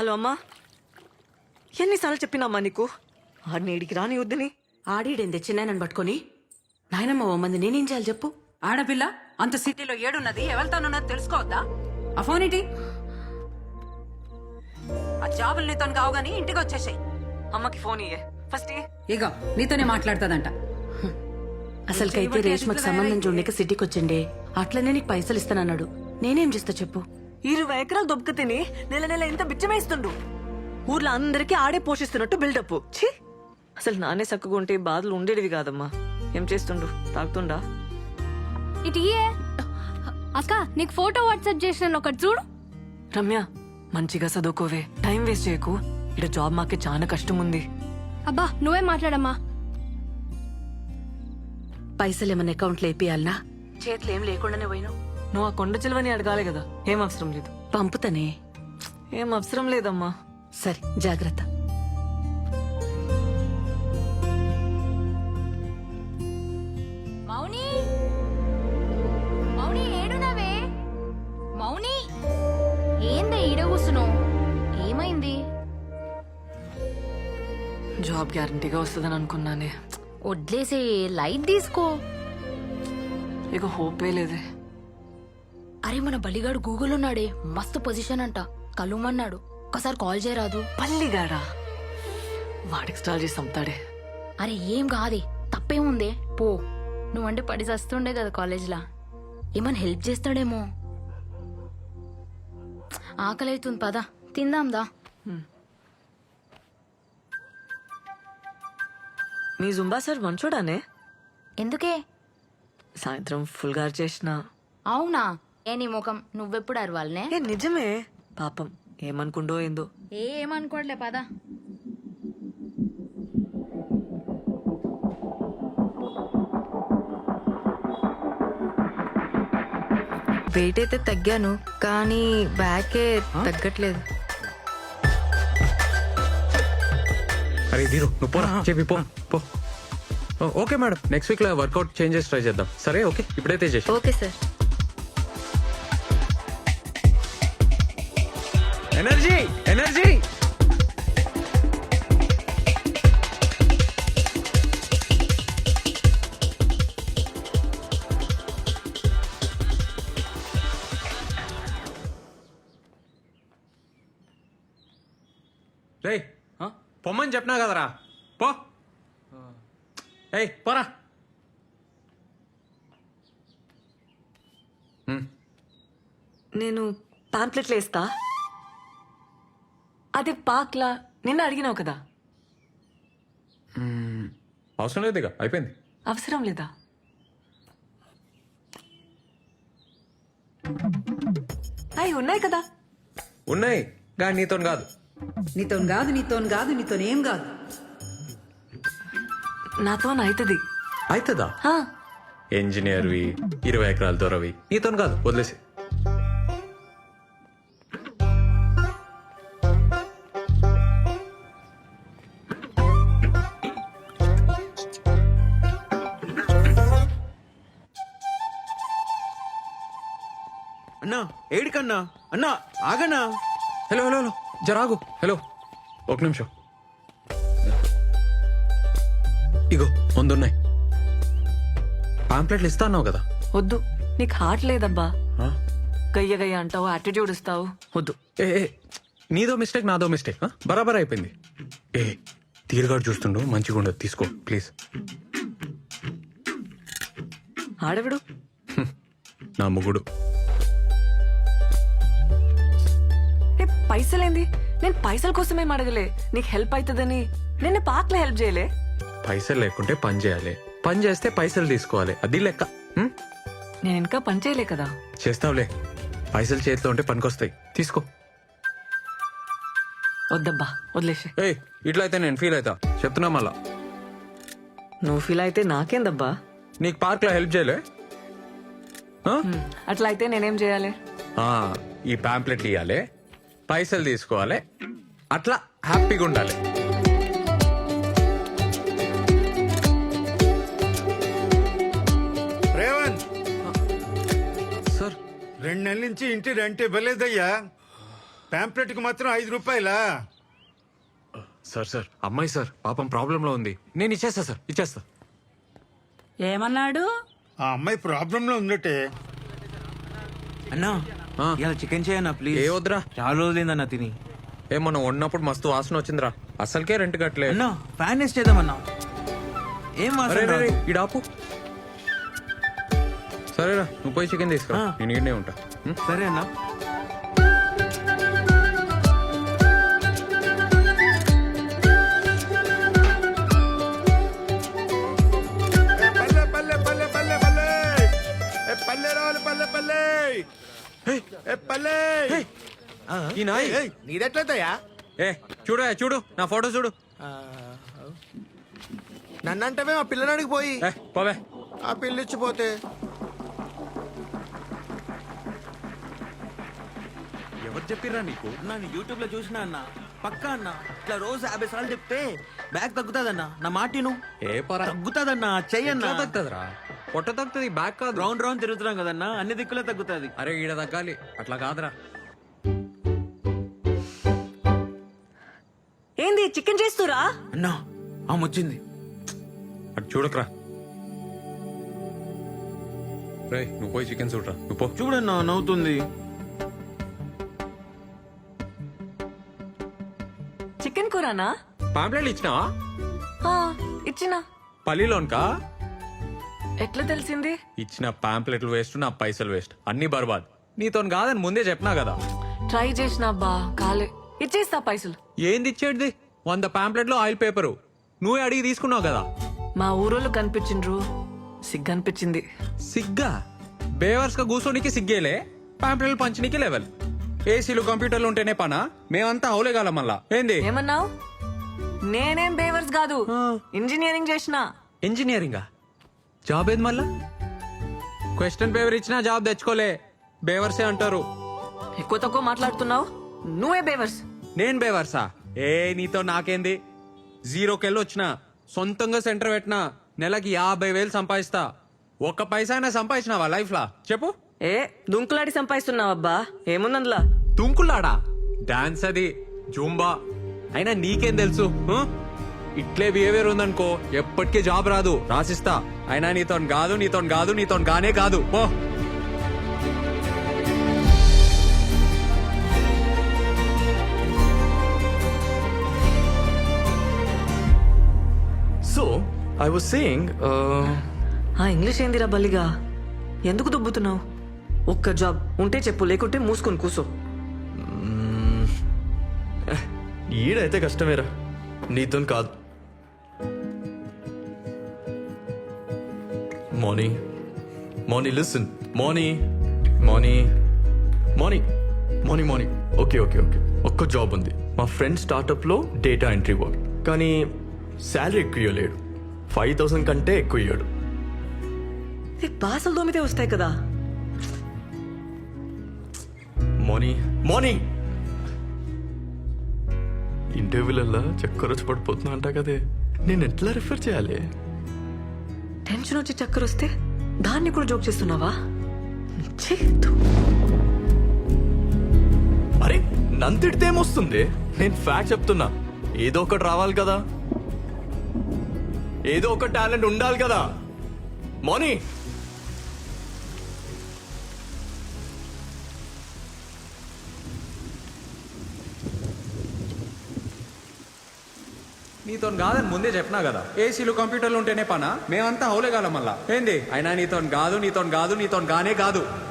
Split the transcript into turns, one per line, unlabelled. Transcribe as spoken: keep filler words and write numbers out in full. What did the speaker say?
Hello అమ్మా, ఎన్నిసార్లు చెప్పినామ్మా నీకు ఆడిని ఏడికి రాని వద్దని?
ఆడిడేందే చిన్నాయనని పట్టుకొని నాయనమ్మ ఓ మంది నేనేం చేయాలి చెప్పు?
ఆడపిల్ల అంత సిటీలో ఏడున్నది ఎవరితోనున్నది తెలుసుకోవద్దా? ఆ ఫోన్ ఏంటి? ఆ జాబులు నీతో కావు గానీ ఇంటికి వచ్చేసాయి.
అమ్మకి ఫోన్ ఇయ్యే ఫస్ట్.
ఇగో నీతోనే మాట్లాడుతుందంట.
అసలుకైతే రేష్మకి సంబంధం చూడలేక సిటీకి వచ్చిండే, అట్లనే నీకు పైసలు ఇస్తానన్నాడు. నేనేం చేస్తా చెప్పు?
ఇరవై ఎకరాలు దొబ్బక తిని నెల నెల ఇంత బిచ్చమేస్తుండు. ఊర్లో అందరికీ ఆడే పోషిస్తున్నట్టు బిల్డప్. ఛీ, అసలు నానే చక్కగా ఉంటే బాధలు ఉండేటివి కాదమ్మా. ఏం చేస్తుండు? తాగుతుండా?
ఇటు ఇయ్యే. అక్క నీకు ఫోటో వాట్సాప్ చేసిన ఒకటి చూడు.
రమ్య, మంచిగా చదువుకోవే, టైం వేస్ట్ చేయకు. ఇక్కడ జాబ్ మాకే చాలా కష్టం ఉంది.
అబ్బా నువ్వే మాట్లాడమ్మా.
పైసలు ఏమన్నా అకౌంట్లో వేపియాలనా? చేతులు ఏం లేకుండానే పోయినావు.
నువ్వు ఆ కొండ చిలువని అడగాలి కదా. ఏం అవసరం లేదు.
పంపుతానే.
ఏం అవసరం లేదమ్మా.
సరే జాగ్రత్త.
మౌని, మౌని ఏడునవే? మౌని ఏందే ఈడ కూసును? ఏమైంది?
జాబ్ గ్యారంటీగా వస్తుందని అనుకున్నానే.
వడ్లేసే, లైట్ తీసుకో.
ఇక హోపే లేదే.
అరే మన బలిగాడు గూగుల్ ఉన్నాడే, మస్తు పొజిషన్ అంట. కలుమన్నాడు, ఒకసారి కాల్ చేయరాదు?
పల్లిగాడా? వాడికి స్టాల్ చేసి చంపుతాడే.
అరే ఏం కాదే, తప్పేముందే, పో. నువ్వంటే పడి చస్తుండే కదా కాలేజ్లా, ఏమన్నా హెల్ప్ చేస్తాడేమో. ఆకలి అవుతుంది, పద తిందాందా.
మీ జుంబా సార్ మంచోడానే?
ఎందుకే?
సాయంత్రం ఫుల్ గారు చేసిన.
అవునా? ఏ నీ ముఖం, నువ్వెప్పుడు అరవాలనే?
ఏ నిజమే, పాపం ఏమనుకుండో ఏందో.
ఏ ఏమనుకోవట్లే, పద.
వెయిట్ అయితే తగ్గాను, కానీ బ్యాకే తగ్గట్లేదు.
అరే దీరు నువ్వు పోరా, చెప్పి పో పో. ఓకే మేడం, నెక్స్ట్ వీక్ లో వర్కౌట్ చేంజెస్ ట్రై చేద్దాం. సరే ఓకే, ఇప్పుడైతే చేసి.
Okay sir.
ఎనర్జీ ఎనర్జీ రే పొమ్మని చెప్పినా కదరా, పో. ఏయ్ పోరా.
నేను పాంప్లెట్లు వేస్తా. అదే పాక్లా నిన్న అడిగినావు కదా.
అవసరం లేదు, ఇక అయిపోయింది.
అవసరం లేదా? అవి ఉన్నాయి కదా.
ఉన్నాయి కానీ నీతో కాదు.
నీతో కాదు, నీతో కాదు, నీతో ఏం కాదు.
నాతో అవుతుంది.
అవుతుందా? ఇంజనీర్వి, ఇరవై ఎకరాల దొరవి, నీతో కాదు, వదిలేసి.
అన్నా ఏడికన్నా? అన్నా ఆగన్నా.
హలో హలో హలో జరాగు. హలో ఒక నిమిషం. ఇగో ముందున్నాయి పాంప్లెట్లు. ఇస్తా అన్నావు కదా.
వద్దు, నీకు హార్ట్ లేదబ్బా.
ఆ?
గయ్య గయ్య అంటావు, యాటిట్యూడ్ ఇస్తావు. వద్దు.
ఏ ఏ, నీదో మిస్టేక్ నాదో మిస్టేక్, బరాబర్ అయిపోయింది. ఏ తీరుగాడు చూస్తుండు, మంచిగా ఉండదు, తీసుకో ప్లీజ్.
ఆడవిడు
నా ముగుడు.
ఏ పైసలేంది? నేను పైసల కోసమేం అడగలే, నీకు హెల్ప్ అవుతుందని. నిన్న పాక్లో హెల్ప్ చేయలే.
పైసలు లేకుంటే పని చేయాలి, పని చేస్తే పైసలు తీసుకోవాలి, అది లెక్క. హ్మ్?
నేను ఇంకా పని చేయలే కదా.
చేస్తావులే, పైసలు చేతిలో ఉంటే పనికొస్తాయి, తీసుకో.
వద్దబ్బా, వదిలేసి.
ఏయ్ ఇట్లా అయితే నేను ఫీల్ అవుతా, చెప్తున్నా మళ్ళా.
నువ్వు ఫీల్ అయితే నాకేందబ్బా.
నీకు పార్క్ లో హెల్ప్ చేయలే? ఆ?
అట్లా అయితే నేనేం చేయాలి?
ఆ, ఈ పాంప్లెట్లు ఇవ్వాలి, పైసలు తీసుకోవాలి, అట్లా హ్యాపీగా ఉండాలి.
రేవంత్
సార్
రెండు నెలల నుంచి ఇంటి రెంట్ ఇవ్వలేదయ్యా.
పాంప్లెట్ కి మాత్రం ఐదు రూపాయలా?
సార్ సార్ అమ్మాయి సార్ పాపం ప్రాబ్లంలో ఉంది. నేను ఇచ్చేస్తా సార్, ఇచ్చేస్తా.
ఏమన్నాడు?
ఆ అమ్మాయి ప్రాబ్లం లో ఉందటే.
అన్నా
ఆ.
ఇలా చికెన్ చేయన్నా ప్లీజ్.
ఏ వద్దురా.
చాలా రోజులైందన్నా తిని.
ఏ మనం వండినప్పుడు మస్తు వాసన వచ్చిందిరా. అసలుకే రెంట్ కట్టలే.
అన్నా ఫ్యాన్ వేస్ట్ చేద్దామన్నా. ఏం
అరే
వాసన
రే, రే,
రాదు.
ఈడ ఆపు. సరేరా నువ్వు పోయి చికెన్ తీసుకురా,
ఆ.
నేను ఈడనే ఉంటా. ఉం?
సరే అన్నా.
ఏ పల్లె పల్లె పల్లె పల్లె పల్లె ఏ పల్లె రావాలి పల్లె పల్లె ఏ పల్లె.
ఈ నాయ్
నీదెట్లయితయా?
ఏ చూడు ఏ, చూడు నా ఫోటో చూడు.
నన్నంటవే మా పిల్లనాడికి పోయి
ఏ పోవే.
ఆ పిల్లిచ్చిపోతే
ఎవరు చెప్పిర్రా నీకు?
అన్నా నేను యూట్యూబ్ లో చూసినా అన్న. పక్కా అన్న ఇట్లా రోజు యాభై సార్లు చెప్తే బ్యాగ్ తగ్గుతాదన్నా. నా మాటిను
ఏ పరా
తగ్గుతాదన్నా. చెయ్యన్నా.
తగ్గుతుందిరా, పొట్ట తగ్గుతుంది, బ్యాక్ కాదు.
రౌండ్ రౌండ్ తిరుగుతున్నాం కదన్నా, అన్ని దిక్కులే తగ్గుతాది.
అరే ఈడ తగ్గాలి, అట్లా కాదురా.
ఏంది చికెన్ చేస్తురా?
అన్నా ఆమె వచ్చింది.
అటు చూడకరా. రే నువ్వు పోయి చికెన్ చూడరా, నువ్వు పో.
చూడన్నా నవ్వుతుంది.
చికెన్ కూరనా?
పాంప్లెట్లు ఇచ్చినావా?
ఆ, ఇచ్చినా.
పల్లిలోన్కా?
ఎట్లా తెలిసింది?
ఇచ్చిన పాంప్లెట్లు వేస్ట్, నా పైసలు వేస్ట్, అన్ని బర్బాద్. నీతో కాదని ముందే చెప్పినా కదా.
ట్రై చేసినా బా కాలే. ఇచ్చేస్తా పైసలు.
ఏంది ఇచ్చేటిది? వంద పాంప్లెట్లు ఆయిల్ పేపరు నువ్వే అడిగి తీసుకున్నావు కదా.
మా ఊరోళ్ళు కనిపించిండ్రు, సిగ్గు అనిపించింది.
సిగ్గా? బేవర్స్ గా కూర్చోనికి సిగ్గేలే, పాంప్లెట్లు పంచనీకి లెవెల్. ఏసీలు కంప్యూటర్లు ఉంటేనే పనా? మేమంతా హౌలేగాలం మళ్ళా. ఏంది
ఏమన్నావు? నేనేం బేవర్స్ కాదు, ఇంజనీరింగ్ చేసిన.
ఇంజనీరింగా? జాబ్ ఏది మళ్ళా? క్వశ్చన్ పేపర్ ఇచ్చినా జాబ్ తెచ్చుకోలే, బేవర్సే అంటారు.
ఎక్కువ తక్కువ మాట్లాడుతున్నావు, నువ్వే బేవర్స్.
నేను బేవర్సా? ఏ నీతో నాకేంది? జీరోకెళ్ళి వచ్చిన సొంతంగా సెంటర్ పెట్టినా నెలకి యాభై వేలు సంపాదిస్తా. ఒక్క పైసా అయినా సంపాదించినావా లైఫ్ లా చెప్పు?
ఏ దుంకులాడి సంపాదిస్తున్నావబ్బా, ఏముందందులా?
తుంకులాడా? డాన్స్ అది, జూంబా. అయినా నీకేం తెలుసు? ఆ? ఇట్లే బిహేవియర్ ఉందనుకో ఎప్పటికీ జాబ్ రాదు, రాసిస్తా. అయినా నీతో కాదు, నీతో కాదు, నీతో గానే కాదు, పో.
So, I was saying, uh,
ఆ ఇంగ్లీష్ ఏందిరా బల్లిగా? ఎందుకు దుబ్బుతున్నావు? ఒక్క జాబ్ ఉంటే చెప్పు, లేకుంటే మూసుకొని కూసో.
ఈడైతే కష్టమేరా, నీతో కాదు. Moni Moni listen Moni Moni Moni Moni Moni okay okay okay ఒక్క జాబ్ ఉంది మా ఫ్రెండ్ స్టార్టప్లో డేటా ఎంట్రీ వర్క్. కానీ శాలరీ ఎక్కువ ఇవ్వలేడు, ఫైవ్ థౌసండ్ కంటే ఎక్కువ ఇవ్వడు.
బాసలు దోమితే వస్తాయి కదా.
మోనీ మోనీ ఇంటర్వ్యూలల్లా చక్కర వచ్చి పడిపోతున్నా అంట కదే, నేను ఎట్లా రిఫర్ చేయాలి?
టెన్షన్ వచ్చి చక్కర వస్తే దాన్ని కూడా జోక్ చేస్తున్నావా? ఛీ, ధూ.
అరే నన్ను తిడితే ఏమొస్తుంది? నేను ఫ్యాక్ట్ చెప్తున్నా. ఏదో ఒకటి రావాలి కదా, ఏదో ఒక టాలెంట్ ఉండాలి కదా. మోనీ
నీతో కాదని ముందే చెప్పినా కదా. ఏసీలు కంప్యూటర్లు ఉంటేనే పనా? మేమంతా హౌలేగాలం మళ్ళా. ఏంది? అయినా నీతో కాదు, నీతో కాదు, నీతో గానే కాదు.